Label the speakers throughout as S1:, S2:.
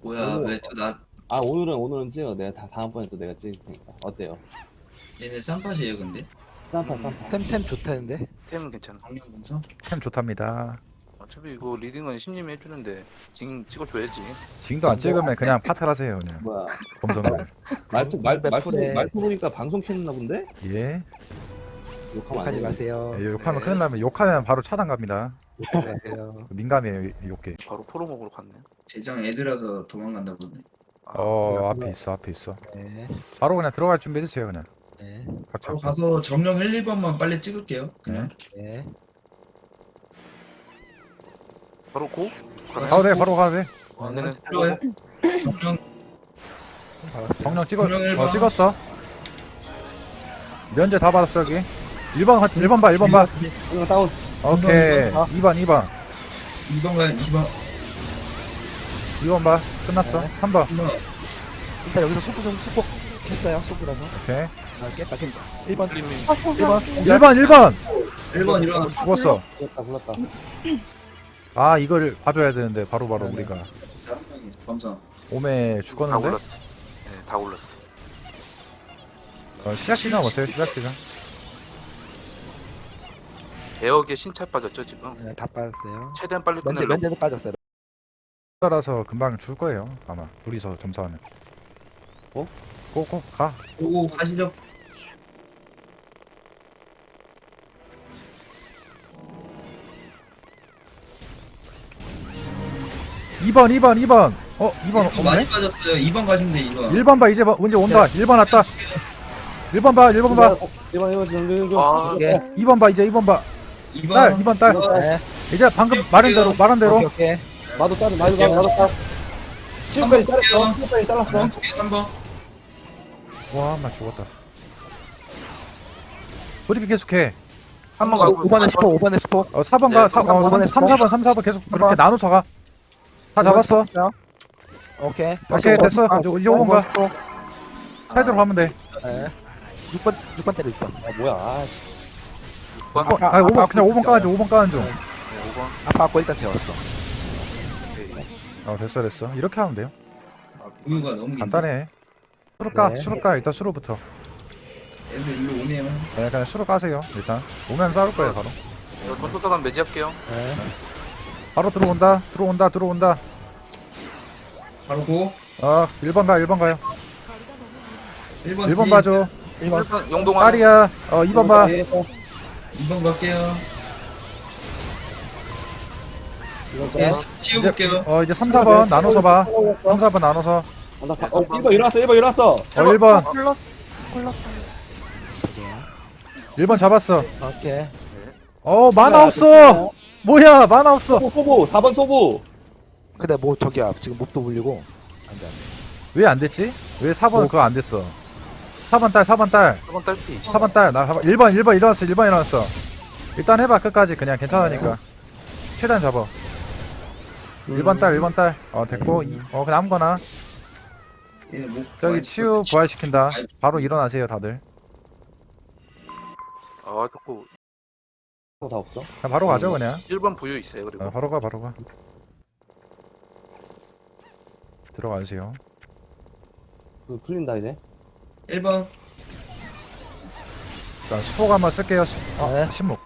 S1: 뭐야
S2: 오늘-
S1: 왜 또나
S2: 오늘은 찍어. 내가 다음번에 또 내가 찍을 테니까. 어때요?
S1: 얘네 쌈팟이에요 근데?
S2: 쌈파
S1: 음.
S2: 쌈파.
S3: 템 좋다는데?
S4: 템은 괜찮아.
S1: 방면 공성?
S5: 템 좋답니다.
S4: 어차피 이거 리딩은 심님이 해주는데 징 찍어줘야지.
S5: 징도 안 찍으면 그냥 파탈하세요 그냥.
S2: 뭐야?
S5: 검성을.
S2: 말투 보니까 방송 켰나 본데?
S5: 예.
S2: 욕하면 안
S3: 욕하지
S2: 돼.
S3: 마세요.
S5: 예, 욕하면 큰일 나면 욕하면 바로 차단 갑니다.
S3: 욕하지 마세요.
S5: 민감해요 욕게.
S4: 바로 포로 먹으러 갔네.
S1: 제장 애들아서 도망간다 보네.
S5: 앞에 있어 앞에 있어.
S3: 네.
S5: 바로 그냥 들어갈 준비해 주세요 그냥.
S3: 네.
S5: 각자.
S1: 바로 가서 점령 1, 2번만 빨리 찍을게요 그냥.
S3: 네.
S4: 바로 고?
S5: 바로 돼 바로 가도 돼.
S4: 안내는
S1: 들어가요. 점령
S3: 받았어요.
S5: 정령
S1: 정령 일번.
S5: 찍었어. 면제 다 받았어 여기. 1번 1번 봐 1번 봐.
S2: 이거 다운.
S5: 오케이.
S1: 번
S5: 2번 2번
S1: 2번 가요 2번
S5: 2번 봐. 끝났어.
S3: 네.
S5: 3번.
S1: 3번
S3: 일단 여기서 속보 했어요. 속보라서.
S5: 오케이.
S3: 깼다. 1번.
S4: 틀림이
S5: 1번
S1: 1번 일어나.
S5: 죽었어.
S2: 굴렀다.
S5: 아 이걸 봐줘야 되는데 바로바로 우리가
S1: 검성.
S5: 오메
S4: 다
S5: 죽었는데.
S4: 올랐어. 네, 다 올랐어.
S5: 시작 시간 보세요 시작 시간.
S4: 에어게 신차 빠졌죠 지금.
S3: 네, 다 빠졌어요.
S4: 최대한 빨리 끝내려고.
S3: 면제도 빠졌어요.
S5: 따라서 금방 줄 거예요 아마 둘이서 점사하면.
S2: 어?
S5: 꼭꼭 가.
S1: 오고 가시죠.
S5: 이번 2번 2번
S1: 많이
S5: 없네?
S1: 빠졌어요. 2번 가시면 돼 2번.
S5: 1번 봐 이제 이제 온다 1번 왔다 1번 봐 1번 봐
S2: 1번 정리 좀.
S4: 아,
S3: 예.
S5: 2번 봐 이제 2번 봐
S1: 2번.
S5: 딸 2번 딸
S3: 네.
S5: 이제 방금 말한 대로
S3: 오케이.
S2: 마도 따. 마도 따. 지금까지 잘랐어. 지금까지 잘랐어.
S1: 3번.
S5: 와나 죽었다 브리핑 계속해
S4: 한번 가고
S3: 5번에 스포. 5번에 스포.
S5: 4번 가
S4: 네,
S5: 3,
S3: 3번
S5: 4번 3, 4번 계속 그렇게
S3: 3번.
S5: 나눠서 가다 잡았어
S3: 오케이.
S5: 오케이 됐어 이제 5번 가
S3: 스포.
S5: 사이드로 가면 돼
S3: 네. 6번 때려 6번.
S2: 뭐야? 아,
S4: 6번.
S5: 아니 5번 그냥 5번 까는 중 5번 까는 중
S4: 네, 5번.
S3: 아파 갖고 일단 재웠어.
S4: 오케이.
S5: 됐어 이렇게 하면 돼요
S1: 우유가 너무 긴데.
S5: 간단해
S3: 네.
S5: 수로 까 일단 수로부터
S1: 애들 일로 오네요.
S5: 네 그냥 수로 까세요 일단 오면 싸울 거예요 바로
S4: 이거 전투사관 매지할게요.
S3: 네.
S5: 바로 들어온다
S1: 바로 고.
S5: 1번 가 1번 가요
S1: 1번
S5: 1번 봐줘
S3: 1번.
S4: 1번 용동아.
S5: 딸이야 2번 봐
S1: 2번 갈게요.
S2: 이거
S1: 예,
S2: 짜.
S1: 치워볼게요.
S5: 이제 3, 4번 나눠서 봐 3, 4번 나눠서
S2: 1번 일어났어. 1번 일어났어.
S5: 1번
S6: 골랐다.
S5: 1번 잡았어
S3: 오케이.
S5: 만화 없어 뭐야 만화 없어
S2: 소부. 4번 소부.
S3: 근데 뭐 저기야 지금 몹도 불리고 안돼 안돼.
S5: 왜 안 됐지? 왜 4번 그거 안 됐어 4번 딸 4번
S4: 4번 딸피.
S5: 딸 나 1번 일어났어 1번 일어났어 일단 해봐 끝까지 그냥 괜찮으니까 최대한 잡아 1번 딸 됐고 그냥 아무거나
S1: 얘네 뭐
S5: 저기 치유 부활시킨다 바로 일어나세요 다들
S4: 아 자꾸
S2: 다 없어.
S5: 그냥 바로 가죠 그냥
S4: 1번 부유 있어요. 그리고
S5: 바로 가 들어가주세요
S2: 풀린다 이제.
S1: 1번.
S5: 자 스포가 한번 쓸게요
S3: 네.
S5: 신목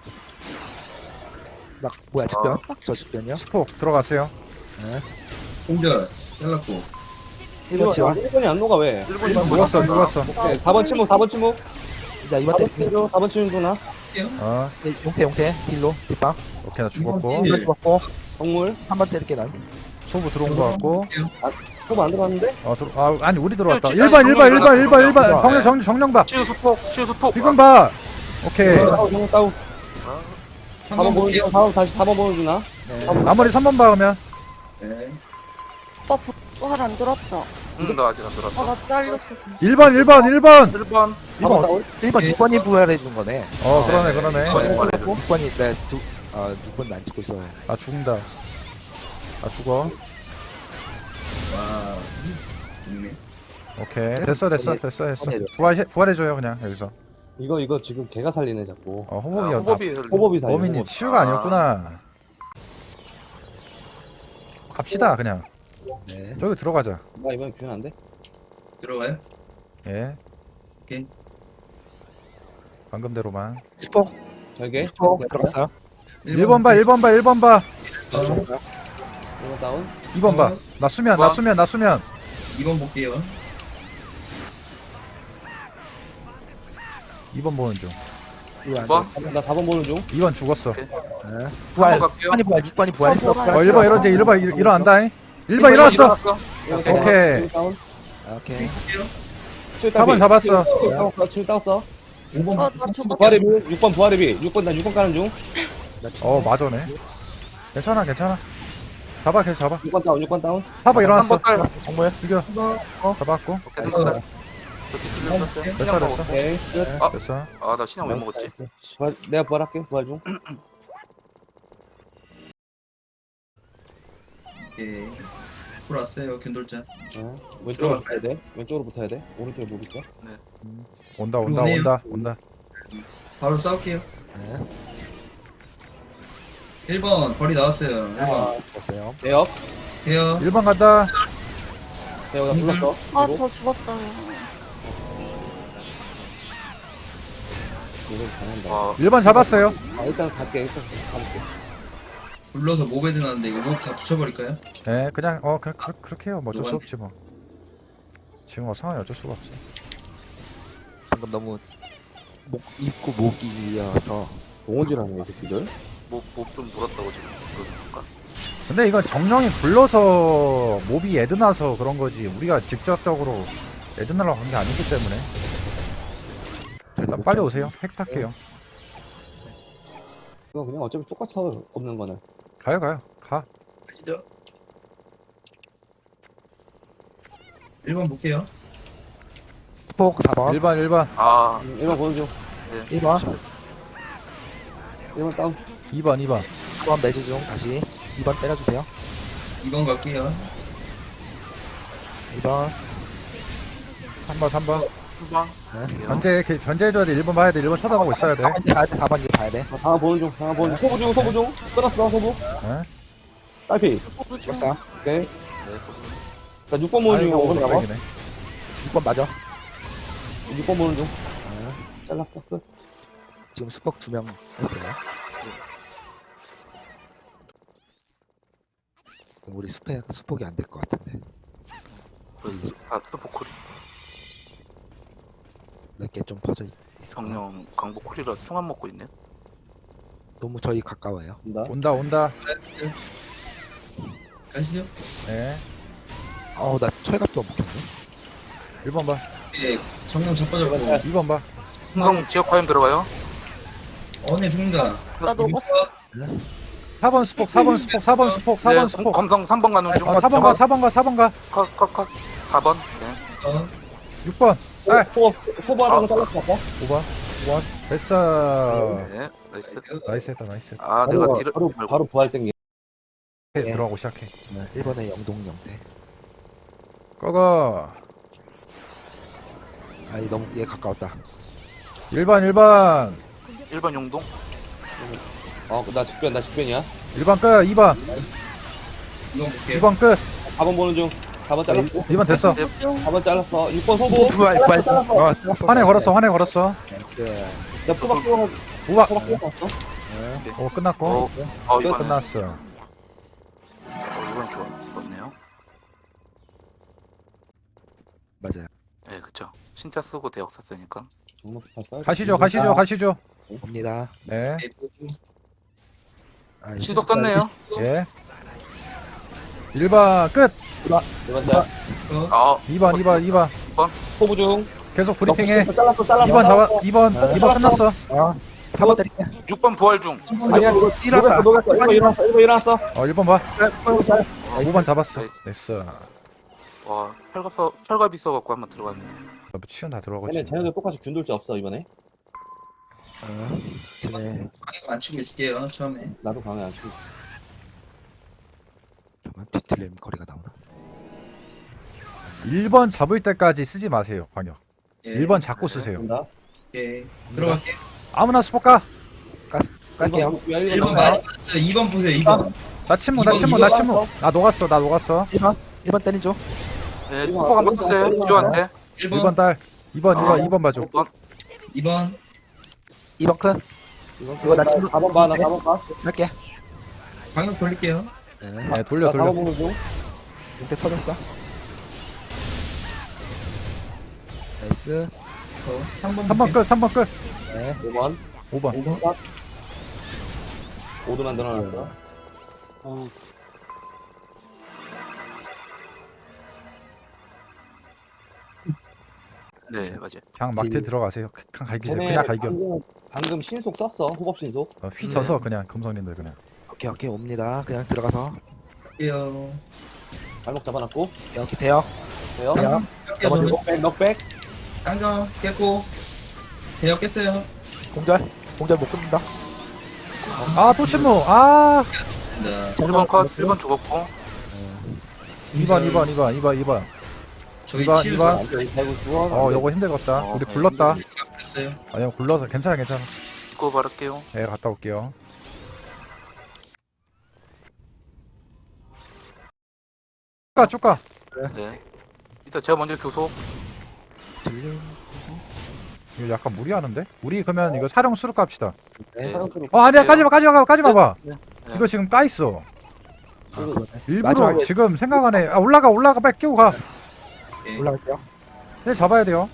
S3: 나 뭐야 직변? 저 직변이요?
S5: 스포 들어갔어요
S3: 네.
S1: 공절. 잘랐고.
S3: 1번 지원.
S2: 1번이 안 녹아 왜?
S4: 1번
S5: 죽었어
S2: 오케이. 4번 침묵. 4번 침묵.
S3: 자 2번
S2: 4번
S3: 때려.
S2: 침묵. 4번 침묵 누나.
S3: 용태 딜로 뒷방.
S5: 오케이 나 죽었고
S3: 1번 죽었고
S2: 동물.
S3: 3번 때릴게 난.
S5: 소부 들어온 거 같고
S2: 소부 안 들어갔는데?
S5: 아니 우리 들어왔다
S4: 아니,
S5: 1번
S4: 정령
S5: 정령 봐
S4: 치유 수폭.
S5: 이건 봐 오케이
S2: 다운. 4번
S1: 3번
S2: 보여주나?
S1: 볼게요.
S2: 다음 다시 4번 보여주나?
S5: 나머지 3번 봐 그러면
S1: 네.
S6: 오빠 부활 안 들었어.
S4: 나 아직 안 들었어.
S6: 나 잘렸어.
S5: 1번
S4: 1번.
S3: 1번 6번이 부활해 준 거네.
S5: 그러네
S3: 6번이 내 6번 안 찍고 있어.
S5: 나 죽는다 나 죽어
S1: 와. 좋네.
S5: 오케이 됐어
S3: 내려.
S5: 부활해줘요 그냥 여기서
S2: 이거 지금 걔가 살리네 자꾸.
S5: 호법이야
S2: 호법이 살리네.
S5: 범인이 치유가 아니었구나 갑시다 그냥
S3: 네.
S5: 저기 들어가자.
S2: 나 이번에 균 안 돼?
S1: 들어가요?
S5: 예.
S1: 오케이.
S5: 방금대로만.
S3: 스포
S2: 절개.
S3: 스포 들어갔어요.
S5: 1번 봐, 1번 봐, 1번 봐.
S2: 1번 다운.
S5: 2번 봐. 나 수면, 나 수면, 나 수면.
S1: 2번 볼게요.
S5: 2번 보는 중.
S3: 이거 안
S4: 2번
S2: 나 4번 보는 중.
S5: 2번 죽었어.
S3: 돼. 네. 부활.
S4: 3번 갈게요.
S3: 6번이 부활했어.
S6: 어, 뭐라.
S5: 1번 일어났지. 1번 일어난다. 1번 일어났어.
S3: 오케이.
S5: 오케이.
S2: 다운.
S3: 오케이.
S5: 4번 잡았어.
S2: 7 따웠어.
S1: 5번
S6: 나 죽었어.
S2: 부활의비. 6번 부활의비. 6번 나 6번 가는 중.
S5: 맞아네. 괜찮아, 괜찮아. 잡아, 계속 잡아.
S2: 6번 다운. 6번 다운.
S5: 4번 일어났어.
S4: 3번 딸.
S3: 정말
S5: 이겨. 잡았고.
S4: 오케이, 3번 딸.
S5: 됐어, 됐어.
S2: 오케이. 끝.
S5: 됐어.
S4: 아, 나 신형 왜 먹었지?
S2: 내가 부활할게. 부활 중.
S1: 오케이. 풀었어요. 균돌자.
S2: 왼쪽으로
S1: 들어갈까요?
S2: 붙어야 돼. 왼쪽으로 붙어야 돼. 오른쪽에 못 있어.
S5: 온다, 온다,
S1: 그러네요.
S5: 온다, 온다.
S1: 바로 싸울게요.
S3: 네.
S1: 1번 벌이 나왔어요. 1번.
S3: 좋았어요.
S2: 대역.
S1: 해요.
S5: 1번 간다.
S2: 대역 나 불렀어.
S6: 아, 저 죽었어요.
S2: 이거 잘한다.
S4: 와,
S5: 1번 잡았어요.
S2: 일단 갈게. 일단 가볼게.
S1: 불러서 모베드 나는데 이거 목 다 붙여버릴까요?
S5: 예, 그냥 그렇게 해요. 뭐 어쩔 수 없지 뭐. 지금 상황이 어쩔 수가 없지.
S3: 방금 너무 목 입고 목이어서
S2: 동원질하네 이 새끼들.
S4: 목좀 물었다고 지금 그럴까?
S5: 근데 이건 정령이 불러서 몹이 애드나서 그런 거지. 우리가 직접적으로 애드나라고 한 게 아니기 때문에. 일단 빨리 오세요. 핵 탈게요.
S2: 이거 그냥 어차피 똑같아 없는 거는.
S5: 가요, 가요. 가.
S1: 가시죠. 1번 볼게요.
S3: 스포 4번.
S5: 1번, 1번.
S4: 아,
S2: 1번 보는 중.
S3: 1번.
S2: 1번 다운.
S5: 2번, 2번.
S3: 4번 매주 중 다시 2번 때려주세요.
S1: 2번 갈게요.
S3: 2번.
S5: 3번, 3번.
S4: 3번.
S5: 견제해줘야 돼. 1번 봐야 돼. 1번 쳐다보고 있어야 돼.
S3: 4번 봐야 돼. 4번 이제 봐야 돼.
S2: 다음 보는 중. 다음 보는 중. 소부 중. 소부 중. 끊었어. 소부.
S5: 예?
S2: 딸피.
S3: 됐어.
S2: 오케이.
S4: 네,
S2: 자 6번 보는 중이야. 5번 잡아.
S5: 네
S3: 6번 맞아.
S2: 6번 보는 중. 잘랐어. 끝.
S3: 지금 수폭 2명 썼어요. 우리 수폭이 안 될 것 같은데.
S4: 또 보컬이.
S3: 넓게 좀 퍼져 있어.
S4: 정령 강보콜이라 충안 먹고 있네.
S3: 너무 저희 가까워요.
S2: 간다.
S5: 온다, 온다.
S1: 가시죠.
S5: 예.
S3: 나 철갑도 못 켰네.
S5: 1번 봐.
S1: 예, 정령 자빠졌고.
S5: 2번 봐.
S4: 흥성 지역 화염 들어가요.
S1: 언니 죽는다.
S6: 나 녹았어.
S5: 4번 스폭, 4번 스폭, 4번 스폭, 4번 스폭.
S4: 검성 3번 가는 중.
S5: 4번 가, 4번 가, 4번 가.
S4: 컷. 4번. 네.
S5: 6번. 딸.
S2: 소부하다가 잘랐어. 아까.
S5: 5번. 5번. 됐어.
S4: 네. 나이스.
S5: 나이스 했다, 나이스 했다.
S4: 아, 내가 딜을
S2: 바로 부활 땡기.
S5: 들어가고 시작해.
S3: 1번에 영동 영대.
S5: 꺼거.
S3: 아니 너무 얘 가까웠다.
S5: 1번, 1번.
S4: 1번 용동.
S2: 나 직변이야.
S5: 1번 끝. 2번.
S1: 2번 볼게요.
S5: 2번 끝.
S2: 4번 보는 중. 4번 잘랐고.
S5: 2번 됐어.
S2: 4번 잘랐어. 6번 소부.
S3: 부활. 잘랐어.
S5: 환에 걸었어, 환에 걸었어.
S3: 네.
S2: 나 뿌박
S5: 5번.
S2: 뽑았어.
S5: 오, 끝났고.
S4: 이번은
S5: 끝났어.
S4: 이번 좋았네요.
S3: 맞아요.
S4: 네, 그쵸. 신자 쓰고 대역 샀으니까.
S5: 가시죠, 가시죠, 가시죠.
S3: 옵니다.
S5: 네.
S3: 아,
S4: 신속 떴네요.
S5: 예. 1번 끝.
S2: 1번 잘.
S4: 아,
S5: 2번, 2번, 2번.
S2: 소부 중.
S5: 계속 브리핑해.
S2: 잘랐어.
S5: 2번 잡아. 2번 끝났어.
S3: 4번 때릴게.
S4: 6번 부활 중.
S2: 아니야, 이거
S3: 일어났다.
S2: 1번 일어났어.
S5: 1번 봐.
S3: 나이스.
S5: 5번 잡았어.
S4: 나이스.
S5: 됐어.
S4: 와, 철갑 있어갖고 한번 들어갔는데.
S5: 치연 다 들어가지.
S2: 쟤네들 똑같이 균돌자 없어 이번에.
S3: 쟤네
S1: 안 치고 있을게요. 처음에.
S2: 나도 강해 안 치고.
S3: 잠깐만 뒤틀림 거리가 나오나?
S5: 1번 잡을 때까지 쓰지 마세요, 광역.
S1: 예.
S5: 1번 잡고 쓰세요.
S2: 간다.
S1: 오케이. 들어갈게요.
S5: 아무나 스포 까.
S3: 깔게요.
S1: 1번 많이 빠졌어요. 2번 보세요. 2번.
S5: 나 침묵, 나 침묵, 나 침묵. 나 녹았어, 나 녹았어.
S3: 1번. 1번 때리죠.
S4: 네, 수폭 한번 썼어요. 주한테.
S1: 1번,
S5: 1번 딸 2번 봐줘
S4: 5번.
S1: 2번,
S3: 2번 큰.
S2: 이거 나 4번 봐, 나 4번 봐.
S3: 할게.
S1: 방금 돌릴게요.
S3: 네.
S5: 네 돌려
S2: 나 4번
S5: 돌려
S2: 보는 중.
S3: 이때 터졌어. 나이스.
S1: 3번,
S5: 3번 끝 3번 끝
S3: 네.
S2: 5번.
S5: 5번
S1: 5번,
S2: 5도 만들어놨어.
S4: 네, 맞아요.
S5: 그냥 막대
S3: 딜.
S5: 들어가세요 그냥 갈기세요
S2: 쟤네
S5: 그냥 갈겨
S2: 방금 신속 썼어. 호법 신속.
S5: 휘져서 그냥 금성님들 그냥
S3: 오케이 옵니다. 그냥 들어가서
S1: 할게요.
S2: 발목 잡아놨고.
S3: 이렇게 돼요.
S2: 돼요?
S3: 돼요.
S1: 할게요, 저는.
S2: 넉백.
S1: 깡깡 깼고. 대역 깼어요.
S3: 공절 못 끊는다.
S5: 아또 신무 아
S1: 네.
S4: 1번 컷, 1번 죽었고.
S5: 2번
S1: 저희
S5: 이번,
S1: 치유
S5: 이번.
S2: 아이고, 좋아.
S5: 요거 힘들겠다
S4: 어,
S5: 우리
S4: 네,
S5: 굴렀다
S1: 됐어요.
S5: 아니요 굴러서 괜찮아
S4: 이거 바를게요.
S5: 네 갔다 올게요 쭉가
S4: 네. 일단 제가 먼저 교소.
S3: 들림.
S5: 이거 약간 무리하는데? 우리 그러면 이거 촬영 수록 갑시다
S3: 네.
S2: 사랑스럽게.
S5: 아니야 까지마 봐
S4: 네.
S5: 이거 지금 까있어
S3: 아, 그러네.
S5: 일부러
S3: 마지막에
S5: 지금 생각 안해 올라가 빨리 끼고 가
S1: 네.
S3: 올라갈게요.
S5: 얘 잡아야 돼요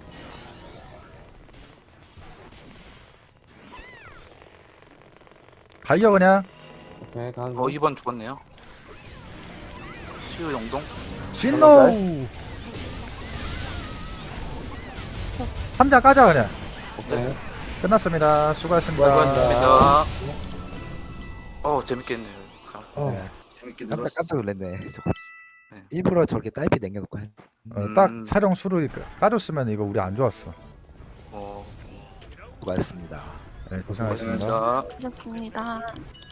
S5: 갈겨 그냥
S2: 오케이, 가는 중.
S4: 2번 죽었네요. 치유 영동.
S5: 신노 3장 까자 그냥
S2: 오케이.
S5: 끝났습니다 수고하셨습니다
S4: 수고하셨습니다. 재밌겠네요.
S3: 네.
S1: 재밌게
S3: 깜짝
S1: 들었어.
S3: 깜짝 놀랐네.
S4: 네.
S3: 일부러 저렇게 딸피 남겨놓고 한.
S5: 딱 촬영 수를 까줬으면 이거 우리 안 좋았어
S4: 어,
S3: 수고하셨습니다.
S5: 네 고생하셨습니다
S4: 고맙습니다.
S6: 고맙습니다.